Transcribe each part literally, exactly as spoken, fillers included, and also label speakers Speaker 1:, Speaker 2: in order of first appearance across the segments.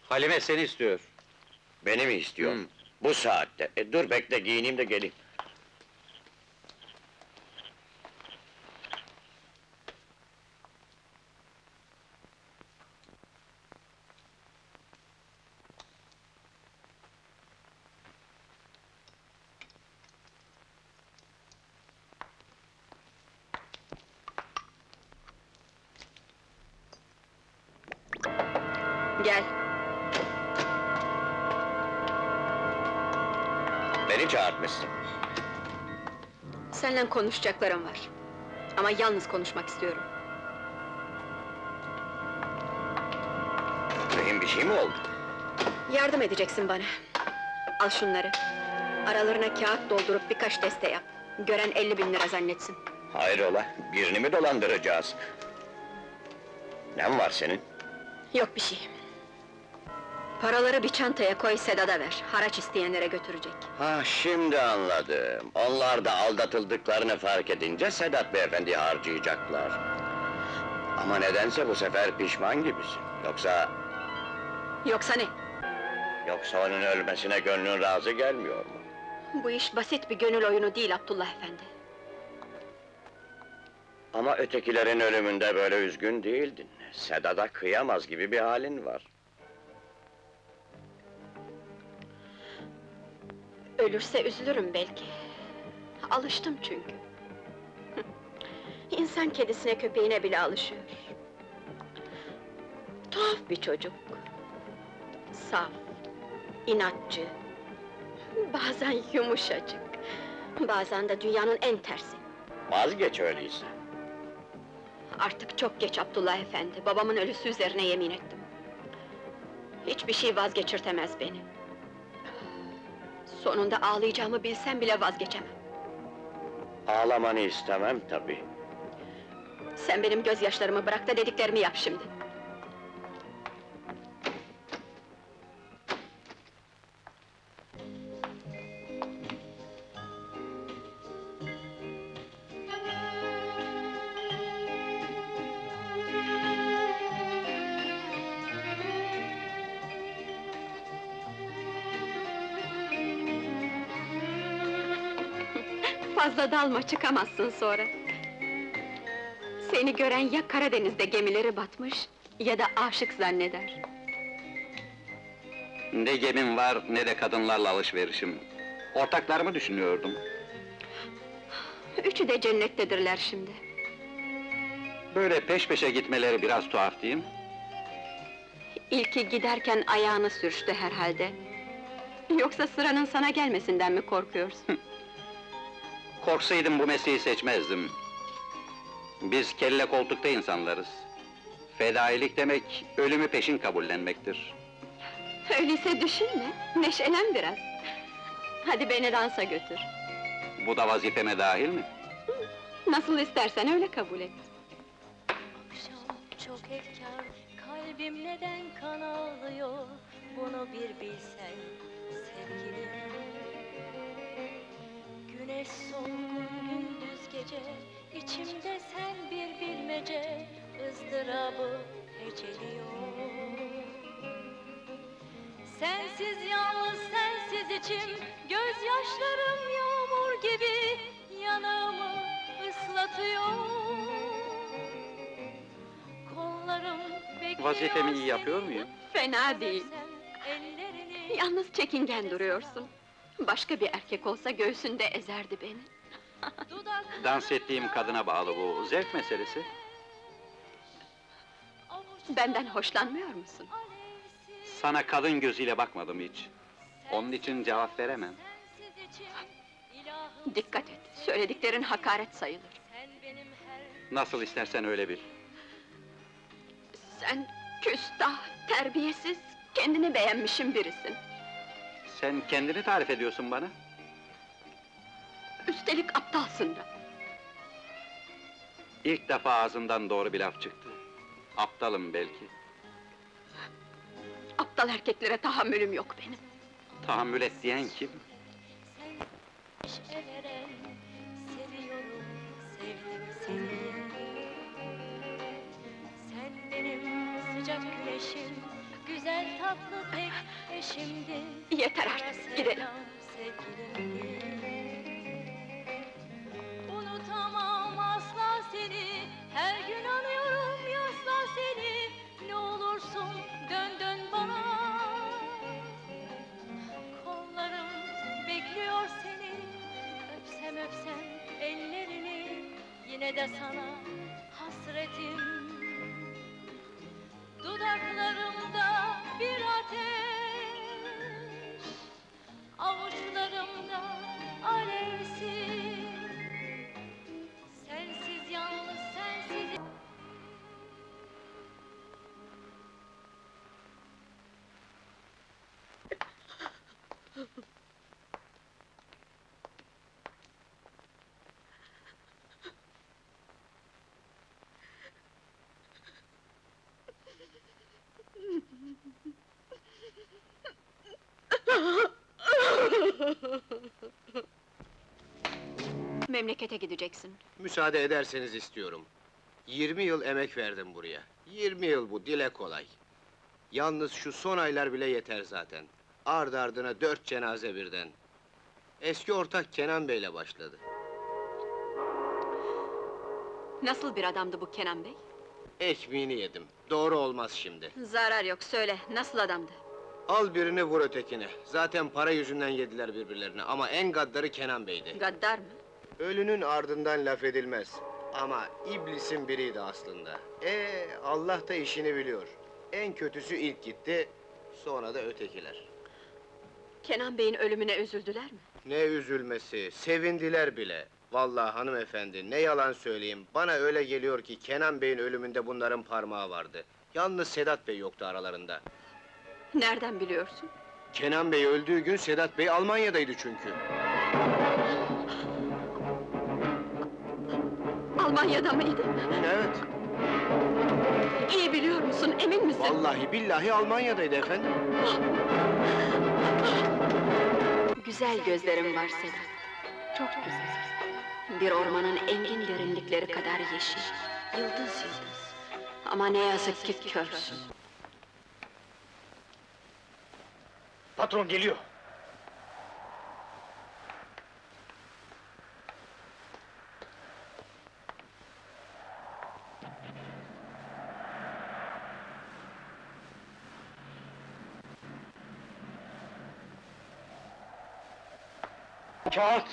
Speaker 1: Halime seni istiyor.
Speaker 2: Beni mi istiyor?
Speaker 1: Hı.
Speaker 2: Bu saatte. E, dur bekle, giyineyim de geleyim.
Speaker 3: Gel.
Speaker 2: Beni çağırtmışsın.
Speaker 3: Seninle konuşacaklarım var. Ama yalnız konuşmak istiyorum.
Speaker 2: Mühim bir şey mi oldu?
Speaker 3: Yardım edeceksin bana. Al şunları. Aralarına kağıt doldurup birkaç deste yap. Gören elli bin lira zannetsin.
Speaker 2: Hayrola, birini mi dolandıracağız? Ne var senin?
Speaker 3: Yok bir şey. Paraları bir çantaya koy, Sedat'a ver. Haraç isteyenlere götürecek.
Speaker 2: Ha, şimdi anladım. Onlar da aldatıldıklarını fark edince Sedat beyefendi harcayacaklar. Ama nedense bu sefer pişman gibisin. Yoksa...
Speaker 3: Yoksa ne?
Speaker 2: Yoksa onun ölmesine gönlün razı gelmiyor mu?
Speaker 3: Bu iş basit bir gönül oyunu değil Abdullah efendi.
Speaker 2: Ama ötekilerin ölümünde böyle üzgün değildin. Sedat'a kıyamaz gibi bir halin var.
Speaker 3: Ölürse üzülürüm belki. Alıştım çünkü. İnsan kedisine köpeğine bile alışıyor. Tuhaf bir çocuk. Saf, inatçı. Bazen yumuşacık. Bazen de dünyanın en tersi.
Speaker 2: Vazgeç öyleyse.
Speaker 3: Artık çok geç Abdullah efendi. Babamın ölüsü üzerine yemin ettim. Hiçbir şey vazgeçirtemez beni. Sonunda ağlayacağımı bilsem bile vazgeçemem.
Speaker 2: Ağlamanı istemem tabii.
Speaker 3: Sen benim gözyaşlarımı bırak da dediklerimi yap şimdi. Fazla dalma, çıkamazsın sonra. Seni gören ya Karadeniz'de gemileri batmış, ya da aşık zanneder.
Speaker 1: Ne gemim var, ne de kadınlarla alışverişim. Ortaklarımı düşünüyordum.
Speaker 3: Üçü de cennettedirler şimdi.
Speaker 1: Böyle peş peşe gitmeleri biraz tuhaf değil mi?
Speaker 3: İlki giderken ayağını sürçtü herhalde. Yoksa sıranın sana gelmesinden mi korkuyorsun?
Speaker 1: Korksaydım bu mesleği seçmezdim. Biz kelle koltukta insanlarız. Fedailik demek, ölümü peşin kabullenmektir.
Speaker 3: Öyleyse düşünme, neşelen biraz. Hadi beni dansa götür.
Speaker 1: Bu da vazifeme dahil mi?
Speaker 3: Nasıl istersen öyle kabul et.
Speaker 4: Akşam çok efkar, kalbim neden kan ağlıyor? Bunu bir bilsen sevgilim. Güneş solgun gündüz gece, içimde sen bir bilmece, ızdırabı heceliyor. Sensiz yalnız sensiz içim, gözyaşlarım yağmur gibi yanağımı ıslatıyor. Kollarım bekliyor.
Speaker 1: Vazifemi iyi yapıyor muyum?
Speaker 3: Fena değil.
Speaker 4: Ellerini
Speaker 3: Yalnız çekingen duruyorsun. Başka bir erkek olsa göğsünde ezerdi beni.
Speaker 4: dudaklarına
Speaker 1: Dans ettiğim kadına bağlı bu, zevk meselesi.
Speaker 4: avuçlarım
Speaker 3: Benden hoşlanmıyor musun?
Speaker 4: alevsiz.
Speaker 1: Sana kadın gözüyle bakmadım hiç. Onun için cevap veremem.
Speaker 4: Sensiz içim ilahım.
Speaker 3: Dikkat et, söylediklerin hakaret sayılır.
Speaker 4: Sen benim her
Speaker 1: Nasıl istersen öyle bil.
Speaker 3: Sen küstah, terbiyesiz, kendini beğenmişin birisin.
Speaker 1: Sen kendini tarif ediyorsun bana.
Speaker 3: Üstelik aptalsın da.
Speaker 1: İlk defa ağzından doğru bir laf çıktı. Aptalım belki.
Speaker 3: Aptal erkeklere tahammülüm yok benim.
Speaker 1: Tahammül et diyen kim?
Speaker 4: neşe veren, seviyorum, sevdim seni. Sen benim sıcak güneşim, güzel tatlı tek eşimdi.
Speaker 3: Yeter artık,
Speaker 4: Kara
Speaker 3: gidelim.
Speaker 4: sevdam sevgilimdi. Unutamam asla seni, her gün anıyorum yasla seni. Ne olursun dön dön bana. Kollarım bekliyor seni, öpsem öpsem ellerini. Yine de sana hasretim. Dudaklarımda bir ateş, avuçlarımda alevsiz. Sensiz yalnız sensiz.
Speaker 3: Memlekete gideceksin.
Speaker 5: Müsaade ederseniz istiyorum. Yirmi yıl emek verdim buraya. Yirmi yıl bu, dile kolay. Yalnız şu son aylar bile yeter zaten. Ardı ardına dört cenaze birden. Eski ortak Kenan Bey'le başladı.
Speaker 3: Nasıl bir adamdı bu Kenan Bey?
Speaker 5: Ekmeğini yedim. Doğru olmaz şimdi.
Speaker 3: Zarar yok, söyle, nasıl adamdı?
Speaker 5: Al birini vur ötekine. Zaten para yüzünden yediler birbirlerini ama en gaddarı Kenan Bey'di.
Speaker 3: Gaddar mı?
Speaker 5: Ölünün ardından laf edilmez. Ama iblisin biriydi aslında. Ee, Allah da işini biliyor. En kötüsü ilk gitti, sonra da ötekiler.
Speaker 3: Kenan Bey'in ölümüne üzüldüler mi?
Speaker 5: Ne üzülmesi, sevindiler bile. Vallahi hanımefendi, ne yalan söyleyeyim, bana öyle geliyor ki Kenan Bey'in ölümünde bunların parmağı vardı. Yalnız Sedat Bey yoktu aralarında.
Speaker 3: Nereden biliyorsun?
Speaker 5: Kenan Bey öldüğü gün Sedat Bey Almanya'daydı çünkü.
Speaker 3: Almanya'da mıydı?
Speaker 5: Evet,
Speaker 3: İyi biliyor musun, emin misin?
Speaker 5: vallahi billahi Almanya'daydı efendim.
Speaker 3: Güzel gözlerin var Sedat. Çok güzel. Bir ormanın engin derinlikleri kadar yeşil. Yıldız yıldız. Ama ne yazık ki körsün.
Speaker 5: Patron geliyor. Kağıt!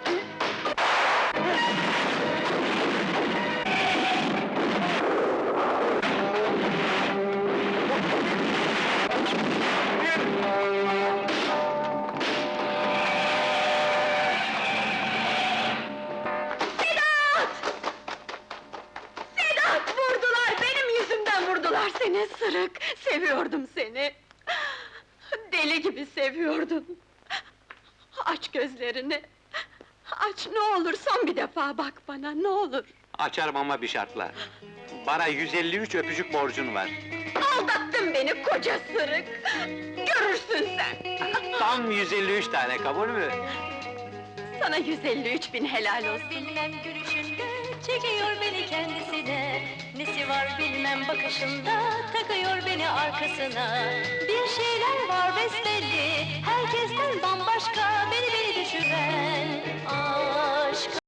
Speaker 3: Sedat! Vurdular, benim yüzümden vurdular seni sırık! Seviyordum seni! Deli gibi seviyordum! Aç gözlerini! Aç, ne olur son bir defa bak bana, ne olur!
Speaker 1: Açarım ama bir şartla. Bana yüz elli üç öpücük borcun var.
Speaker 3: Aldattın beni koca sırık! Görürsün sen!
Speaker 1: Tam yüz elli üç tane, kabul mü?
Speaker 3: Sana yüz elli üç bin helal olsun!
Speaker 4: Bilmem gülüşünde çekiyor beni kendisine. Nesi var bilmem bakışında takıyor beni arkasına. Bir şeyler var besbelli, herkesten bambaşka beni beni düşüren. Aşk